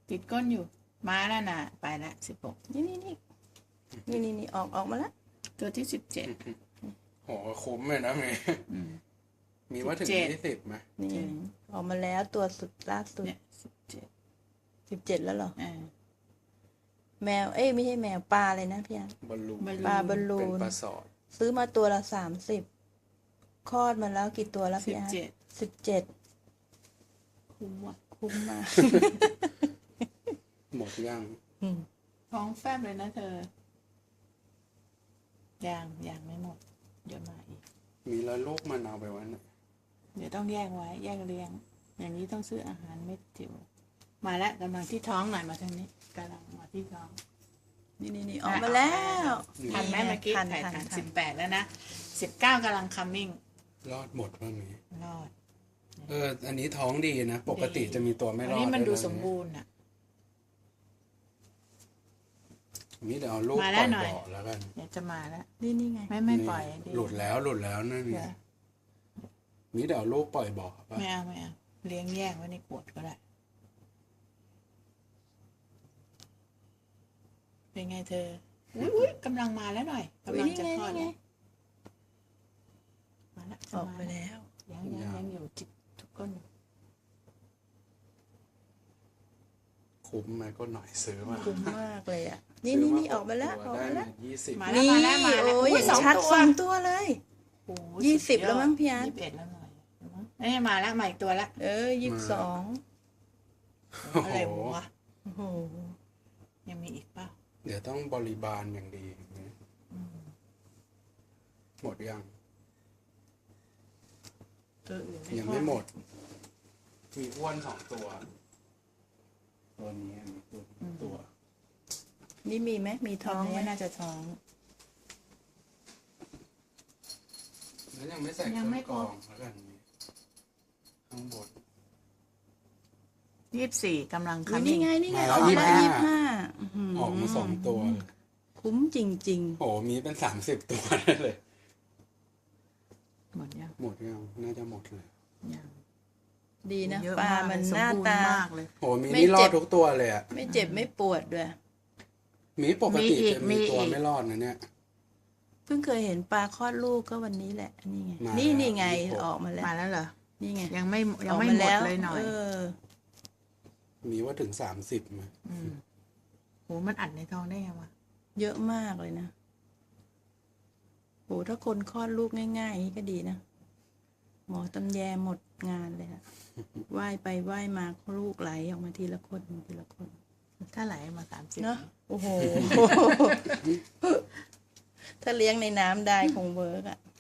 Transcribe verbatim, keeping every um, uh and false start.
ติดก้นอยู่ มาแล้วนะไปละสิบหกนี่นี่นี่นี่นี่นี่ออกออกมาแล้วตัวที่สิบเจ็ดโหคุ้มเลยนะเมย์มีว่าถึงสิบเจ็ดยี่สิบไหมนี่ถึงออกมาแล้วตัวสุดล่าสุดเนี่ยสิบเจ็ดสิบเจ็ดแล้วเหรออ่าแมวเอ้ยไม่ใช่แมวปลาเลยนะพี่อันบอลลูนบอลปลาบอลลูเป็นนปลาสอดซื้อมาตัวละสามสิบคลอดมาแล้วกี่ตัวแล้วสิพี่บอันเจ็ดสิบเจ็ดคุ้มว่ะคุ้มมากหมดยังอืมท้องแฟบเลยนะเธอ ยังยังไม่หมด เดี๋ยวมาอีกมีแล้วลูกมันเอาไปไว้ไหนเดี๋ยวต้องแยกไว้ แยกเลี้ยง อย่างนี้ต้องซื้ออาหารเม็ดจิ๋วมาแล้วกำลังที่ท้องหน่อยมาทางนี้กำลังมาที่ท้องนี่นี่นี่ออกมาแล้วทันไหมเมื่อกี้ทันถ่ายทันทันทัสินบแปดแล้วนะสิบเก้ากำลัง coming รอดหมดว่ามีรอดเออ อันนี้ท้องดีนะ ปกติจะมีตัวไม่รอัอน ดนี้มันดูด้วยะสมบูรณ์อ่ะมีเดี๋ยวเอาลูกมาปแล้ล่วอยหน่อยบ่อแล้วกันเดี๋ยวจะมาแล้วนี่นี่ไงไม่ไม่ปล่อยนี่หลุดแล้วหลุดแล้วนั่นเดี๋ไงยวมีเดี๋ยวเอาลูกปล่อยบ่อป่ะไม่เอาไม่เอาเลี้ยงแยกไว้ในขวดก็ได้ เป็นไงเธอ อุ้ยอุ้ยกำลังมาแล้วหน่อยกำลังจะคลอดนี่ไงแล้วมาแล้วออกไปแล้วยังยังยังอยู่จิกทุกคนอยู่คุ้มไหมก็หน่อยซื้อมาคุ้มมากเลยอ่ะ นี่นี่นี่ออกมาแล้วออกได้มาแล้วยี่สิบมาแล้วนี่มาแล้วมาแล้วโอ้ยอุ้อย่างสองชัดตัวสองตัวเลยโอ้โหยี่สิบดยอดแล้วมั้งพี่อาร์ตยี่สิบเอ็ดแล้วหน่อยเอ้ยมาแล้วมาอีกตัวละเออยี่สิบสองโอ้อะไรโหวะโอ้โหยังมีอีกเปล่าเดี๋ยวต้องบริบาลอย่างดีหมดยังตัวอื่นยังไม่หมด มีอ้วนสองตัว ตัวนี้มีตัวตัวนี่มีไหมมีท้ท้ออง งไหมไม่น่าจะท้องแล้วยังไม่ใส่ยังไม่เครื่องครบกรองแล้วกันนี้ข้างบนยี่สิบสี่กำลังอุ๊ย coming นี่ไงนี่ไงมาอแล้วอกมาแล้วยี่ยี่สิสิบบ ห้าห้าออกมาสองตัวคุ้มจริงโอ้โหมีเป็นสามสิบตัวได้เลยหมดยังหมดยังน่าจะหมดเลยยังๆ ดีนะเยอะปลามันหน้าตามากเลยโอ้โหมีไม่นี่รอเจ็ดบทุกตัวเลยอ่ะไม่เจ็บไม่ปวดด้วยมีปกติมีอีกจะมีมีอีกตัวไม่รอดนะเนี่ยเพิ่งเคยเห็นปลาคลอดลูกก็วันนี้แหละ นี่ไงมานี่นี่ไงยี่สิบหกออกมาแล้วมาแล้วเหรอนี่ไงยังไม่ยัอง อกไม่มาหมดแล้วเลยหน่อยเออมีว่าถึงสามสิบไหมอืมโหมันอัดในท้องได้ไงวะเยอะมากเลยนะโหถ้าคนคลอดลูกง่ายๆอย่างนี้ก็ดีนะ หมอตำแยหมดงานเลยอะว่ายไปว่ายมาลูกไหลออกมาทีละคนทีละคนถ้าไหลมาสามสิบเนาะโอ้โห ถ้าเลี้ยงในน้ำได้คงเวิร์กอะ